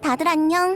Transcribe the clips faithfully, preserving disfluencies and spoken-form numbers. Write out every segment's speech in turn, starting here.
다들 안녕.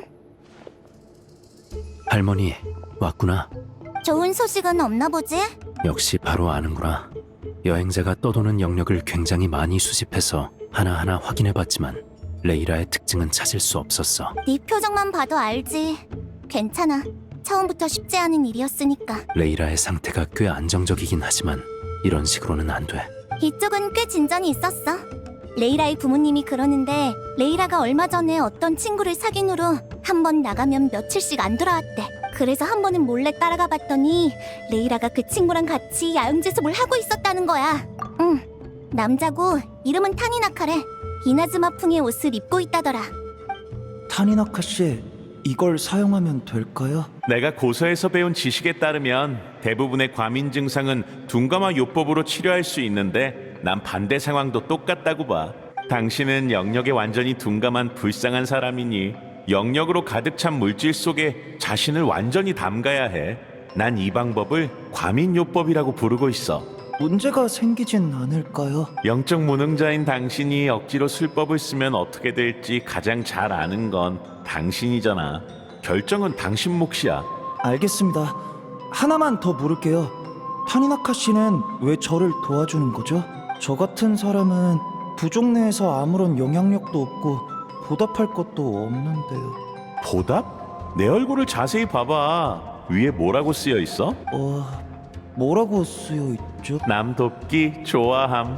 할머니, 왔구나. 좋은 소식은 없나 보지? 역시 바로 아는구나. 여행자가 떠도는 영역을 굉장히 많이 수집해서 하나하나 확인해봤지만 레이라의 특징은 찾을 수 없었어. 네 표정만 봐도 알지. 괜찮아. 처음부터 쉽지 않은 일이었으니까. 레이라의 상태가 꽤 안정적이긴 하지만 이런 식으로는 안 돼. 이쪽은 꽤 진전이 있었어. 레이라의 부모님이 그러는데 레이라가 얼마 전에 어떤 친구를 사귄 후로 한 번 나가면 며칠씩 안 돌아왔대. 그래서 한 번은 몰래 따라가 봤더니 레이라가 그 친구랑 같이 야영제습을 하고 있었다는 거야. 응, 남자고 이름은 타니나카래. 이나즈마풍의 옷을 입고 있다더라. 타니나카 씨, 이걸 사용하면 될까요? 내가 고서에서 배운 지식에 따르면 대부분의 과민 증상은 둔감화 요법으로 치료할 수 있는데 난 반대 상황도 똑같다고 봐. 당신은 영역에 완전히 둔감한 불쌍한 사람이니 영역으로 가득 찬 물질 속에 자신을 완전히 담가야 해. 난 이 방법을 과민 요법이라고 부르고 있어. 문제가 생기진 않을까요? 영적 무능자인 당신이 억지로 술법을 쓰면 어떻게 될지 가장 잘 아는 건 당신이잖아. 결정은 당신 몫이야. 알겠습니다. 하나만 더 물을게요. 타니나카 씨는 왜 저를 도와주는 거죠? 저 같은 사람은 부족 내에서 아무런 영향력도 없고 보답할 것도 없는데요. 보답? 내 얼굴을 자세히 봐봐. 위에 뭐라고 쓰여 있어? 어... 뭐라고 쓰여 있죠? 남 돕기 좋아함.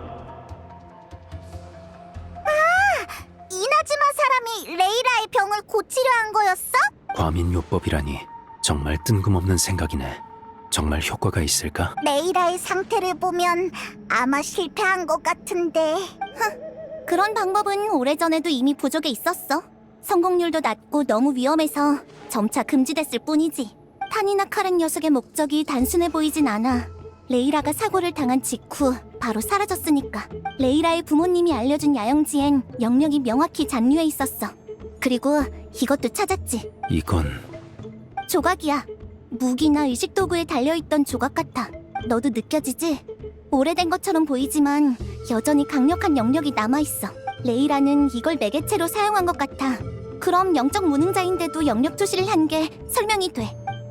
이나즈마 사람이 레이라의 병을 고치려 한 거였어? 과민요법이라니 정말 뜬금없는 생각이네. 정말 효과가 있을까? 레이라의 상태를 보면 아마 실패한 것 같은데. 흥, 그런 방법은 오래전에도 이미 부족에 있었어. 성공률도 낮고 너무 위험해서 점차 금지됐을 뿐이지. 타니나카란 녀석의 목적이 단순해 보이진 않아. 레이라가 사고를 당한 직후 바로 사라졌으니까. 레이라의 부모님이 알려준 야영지엔 영역이 명확히 잔류해 있었어. 그리고 이것도 찾았지. 이건 조각이야. 무기나 의식 도구에 달려있던 조각 같아. 너도 느껴지지? 오래된 것처럼 보이지만 여전히 강력한 영역이 남아있어. 레이라는 이걸 매개체로 사용한 것 같아. 그럼 영적 무능자인데도 영역 투시를 한 게 설명이 돼.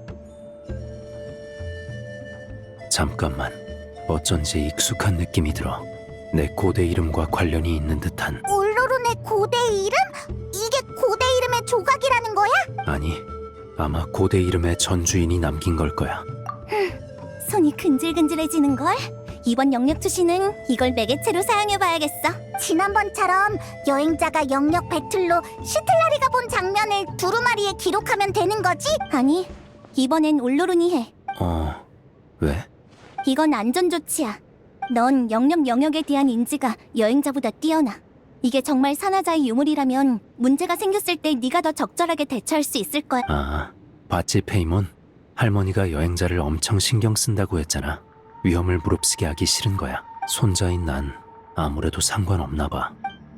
잠깐만. 어쩐지 익숙한 느낌이 들어. 내 고대 이름과 관련이 있는 듯한. 울로룬의 고대 이름? 이게 고대 이름의 조각이라는 거야? 아니, 아마 고대 이름의 전주인이 남긴 걸 거야. 손이 근질근질해지는걸? 이번 영역 투시는 이걸 매개체로 사용해봐야겠어. 지난번처럼 여행자가 영역 배틀로 시틀라리가 본 장면을 두루마리에 기록하면 되는 거지? 아니, 이번엔 올로룬이 해. 어... 왜? 이건 안전 조치야. 넌 영역 영역에 대한 인지가 여행자보다 뛰어나. 이게 정말 산화자의 유물이라면 문제가 생겼을 때 네가 더 적절하게 대처할 수 있을 거야. 아, 봤지 페이몬? 할머니가 여행자를 엄청 신경 쓴다고 했잖아. 위험을 무릅쓰게 하기 싫은 거야. 손자인 난 아무래도 상관없나 봐.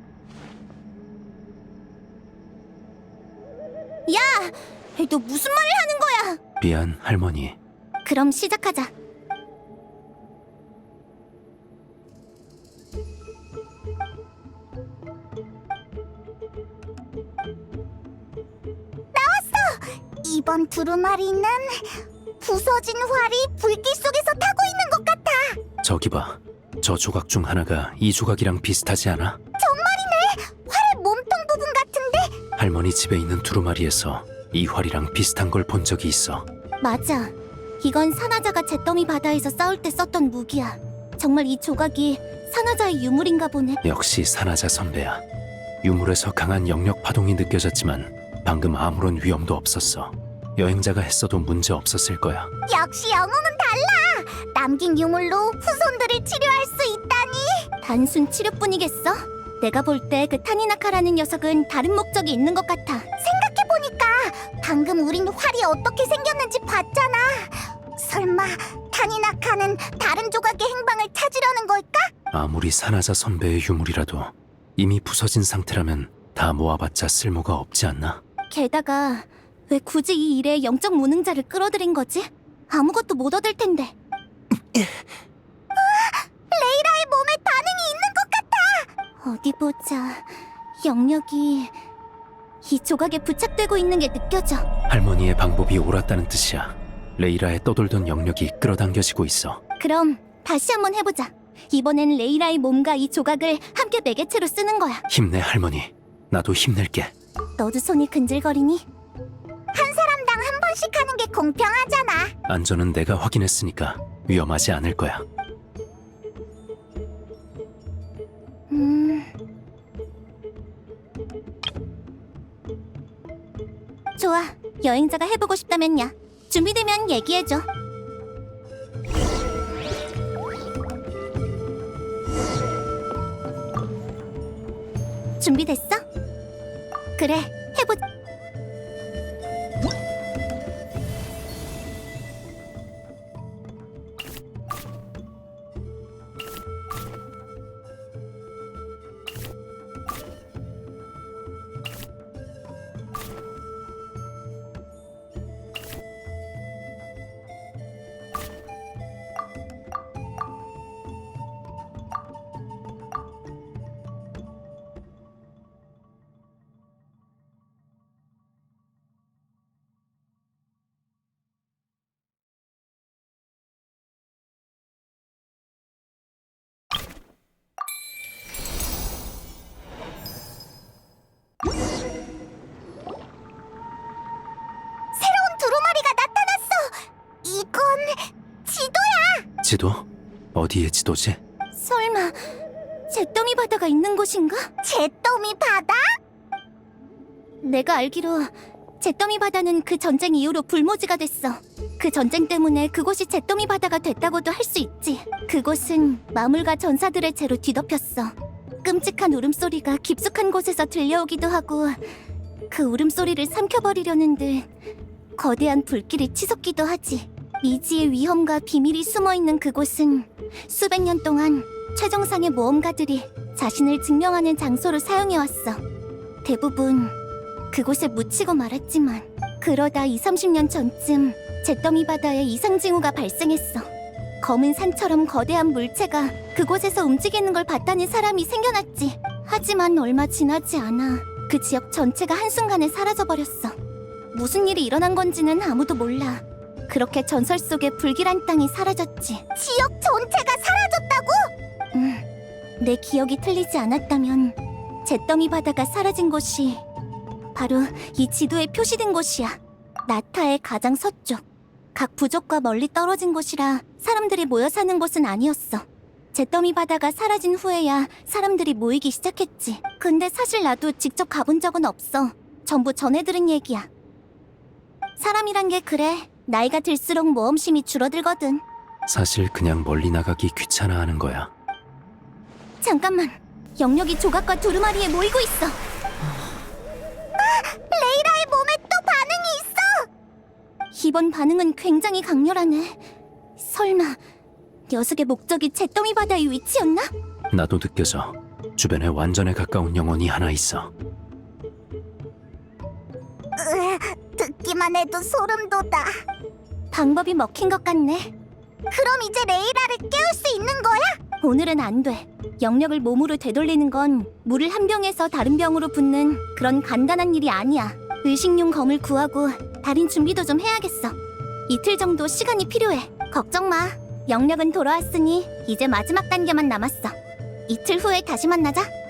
야! 너 무슨 말을 하는 거야? 미안, 할머니. 그럼 시작하자. 이번 두루마리는 부서진 활이 불길 속에서 타고 있는 것 같아. 저기 봐. 저 조각 중 하나가 이 조각이랑 비슷하지 않아? 정말이네. 활의 몸통 부분 같은데? 할머니 집에 있는 두루마리에서 이 활이랑 비슷한 걸 본 적이 있어. 맞아. 이건 산화자가 잿더미 바다에서 싸울 때 썼던 무기야. 정말 이 조각이 산화자의 유물인가 보네. 역시 산화자 선배야. 유물에서 강한 영역 파동이 느껴졌지만 방금 아무런 위험도 없었어. 여행자가 했어도 문제 없었을 거야. 역시 영웅은 달라. 남긴 유물로 후손들을 치료할 수 있다니. 단순 치료뿐이겠어? 내가 볼 때 그 타니나카라는 녀석은 다른 목적이 있는 것 같아. 생각해보니까 방금 우린 활이 어떻게 생겼는지 봤잖아. 설마 타니나카는 다른 조각의 행방을 찾으려는 걸까? 아무리 산화자 선배의 유물이라도 이미 부서진 상태라면 다 모아봤자 쓸모가 없지 않나? 게다가 왜 굳이 이 일에 영적 무능자를 끌어들인 거지? 아무것도 못 얻을 텐데. 레이라의 몸에 반응이 있는 것 같아. 어디 보자. 영역이 이 조각에 부착되고 있는 게 느껴져. 할머니의 방법이 옳았다는 뜻이야. 레이라의 떠돌던 영역이 끌어당겨지고 있어. 그럼 다시 한번 해보자. 이번엔 레이라의 몸과 이 조각을 함께 매개체로 쓰는 거야. 힘내 할머니. 나도 힘낼게. 너도 손이 근질거리니? 한 사람당 한 번씩 하는 게 공평하잖아. 안전은 내가 확인했으니까 위험하지 않을 거야. 음... 좋아. 여행자가 해보고 싶다면야. 준비되면 얘기해줘. 준비됐어? 그래, 해보자. 새로운 두루마리가 나타났어! 이건 지도야! 지도? 어디의 지도지? 설마 잿더미 바다가 있는 곳인가? 잿더미 바다? 내가 알기로 잿더미 바다는 그 전쟁 이후로 불모지가 됐어. 그 전쟁 때문에 그곳이 잿더미 바다가 됐다고도 할 수 있지. 그곳은 마물과 전사들의 죄로 뒤덮였어. 끔찍한 울음소리가 깊숙한 곳에서 들려오기도 하고 그 울음소리를 삼켜버리려는 듯 거대한 불길이 치솟기도 하지. 미지의 위험과 비밀이 숨어있는 그곳은 수백 년 동안 최정상의 모험가들이 자신을 증명하는 장소로 사용해왔어. 대부분 그곳에 묻히고 말았지만 그러다 이삼십 년 전쯤 잿더미 바다에 이상징후가 발생했어. 검은 산처럼 거대한 물체가 그곳에서 움직이는 걸 봤다는 사람이 생겨났지. 하지만 얼마 지나지 않아 그 지역 전체가 한순간에 사라져버렸어. 무슨 일이 일어난 건지는 아무도 몰라. 그렇게 전설 속의 불길한 땅이 사라졌지. 지역 전체가 사라졌다고? 응. 내 기억이 틀리지 않았다면 잿더미 바다가 사라진 곳이 바로 이 지도에 표시된 곳이야. 나타의 가장 서쪽. 각 부족과 멀리 떨어진 곳이라 사람들이 모여 사는 곳은 아니었어. 잿더미 바다가 사라진 후에야 사람들이 모이기 시작했지. 근데 사실 나도 직접 가본 적은 없어. 전부 전해 들은 얘기야. 사람이란 게 그래. 나이가 들수록 모험심이 줄어들거든. 사실 그냥 멀리 나가기 귀찮아하는 거야. 잠깐만. 영역이 조각과 두루마리에 모이고 있어. 아! 레이라의 몸에 또 반응이 있어! 이번 반응은 굉장히 강렬하네. 설마 녀석의 목적이 잿더미 바다의 위치였나? 나도 느껴져. 주변에 완전에 가까운 영혼이 하나 있어. 으, 듣기만 해도 소름 돋아. 방법이 먹힌 것 같네. 그럼 이제 레이라를 깨울 수 있는 거야? 오늘은 안 돼. 영역을 몸으로 되돌리는 건 물을 한 병에서 다른 병으로 붓는 그런 간단한 일이 아니야. 의식용 검을 구하고 다른 준비도 좀 해야겠어. 이틀 정도 시간이 필요해. 걱정 마. 영역은 돌아왔으니 이제 마지막 단계만 남았어. 이틀 후에 다시 만나자.